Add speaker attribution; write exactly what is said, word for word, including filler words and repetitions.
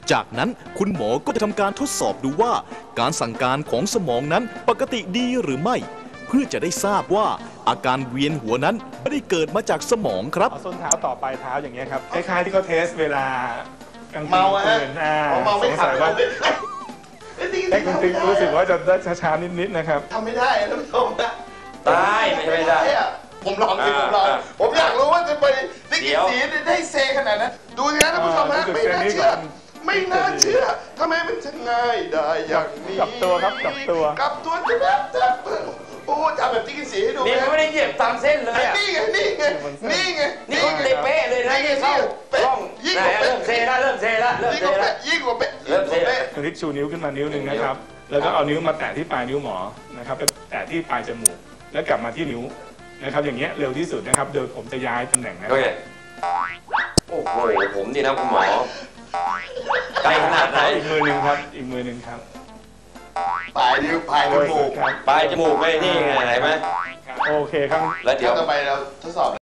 Speaker 1: จากนั้นคุณหมอก็จะทำการทดสอบดูว่าการสั่งการของสมองนั้นปกติดีหรือไม่เพื่อจะได้ทราบว่าอาการเวียนหัวนั้นไม่ได้เกิดมาจากสมองครับ
Speaker 2: เอาส้นเท้าต่อปลายเท้าอย่างเงี้ยครับคล้ายๆที่เขาเทสเวลากลางคืน
Speaker 3: เมาฮะ
Speaker 2: อ่า
Speaker 3: เมา
Speaker 2: ส
Speaker 3: ไม่
Speaker 2: ง
Speaker 3: ขั
Speaker 2: สั
Speaker 3: บ
Speaker 2: ยว่า
Speaker 3: ไอ้
Speaker 2: ไอ้คุณติ๊กรู้สึกว่าจะได้ช้าๆนิดๆนะครับ
Speaker 3: ทำไม่ได้ท่านผู้ชมนะ
Speaker 4: ได้ไม่ใช่ไม่ได้
Speaker 3: ผมลองสิผมลอง
Speaker 4: อ่า
Speaker 3: ผมอยากรู้ว่าจะไปได้
Speaker 4: เดี๋
Speaker 3: กี่
Speaker 4: ยว
Speaker 3: สีได้เซขนาดนั้นดูสิครับท่านผู้ชมฮะ
Speaker 2: อ่า
Speaker 3: ไม่น่าเชื่อ ไม่น่าเชื่อทำไมมันจะง่ายได้อย่างนี้
Speaker 2: กลับตัวครับกลับตัว
Speaker 3: กลับตัวจะแบบจะโอ้ทำแบบที่กินสีให้ดู
Speaker 4: นี่เขาไม่ได้เหยียบตามเส้นเลยอ่ะ
Speaker 3: นี่ไงนี่ไงนี่ไง
Speaker 4: นี่เขาเตะเป๊ะเลยนะนี่เข้า
Speaker 3: เป๊ะ
Speaker 4: กล้อง
Speaker 3: ยิ่ง
Speaker 4: ไหน
Speaker 3: กว่าเป๊ะ
Speaker 4: เริ่มเซละเริ่มเซละเริ่ม
Speaker 3: ยิ่ง
Speaker 4: เซ
Speaker 3: กว่า
Speaker 4: ละ
Speaker 3: เป๊ะยิ่งกว่าเป๊ะ
Speaker 4: เริ่มเซ
Speaker 3: เป๊ะ
Speaker 2: คุณติ๊กชูนิ้วขึ้นมานิ้วหนึ่งนะครับ แล้วก็เอานิ้วมาแตะที่ปลายนิ้วหมอนะครับไปแตะที่ปลายจมูกแล้วกลับมาที่นิ้วนะครับอย่างเงี้ยเร็วที่สุดนะครับโดยผมจะย้ายตำแหน่งนะค
Speaker 4: โอ
Speaker 2: รับ
Speaker 4: เคโอ้โหผมนี่นะคุณหมอไกลขนาดไหน
Speaker 2: อีกมือหนึ่งครับอีกมือหนึ่งครับ
Speaker 3: ปลายนิ้วปลายจมูก
Speaker 2: ครับ
Speaker 4: ปลายจมูกไปนี่ไงเห็นไหม
Speaker 2: โอเคครับ
Speaker 4: แล้วเดี๋ยว
Speaker 3: ต่อไปเราทดสอบ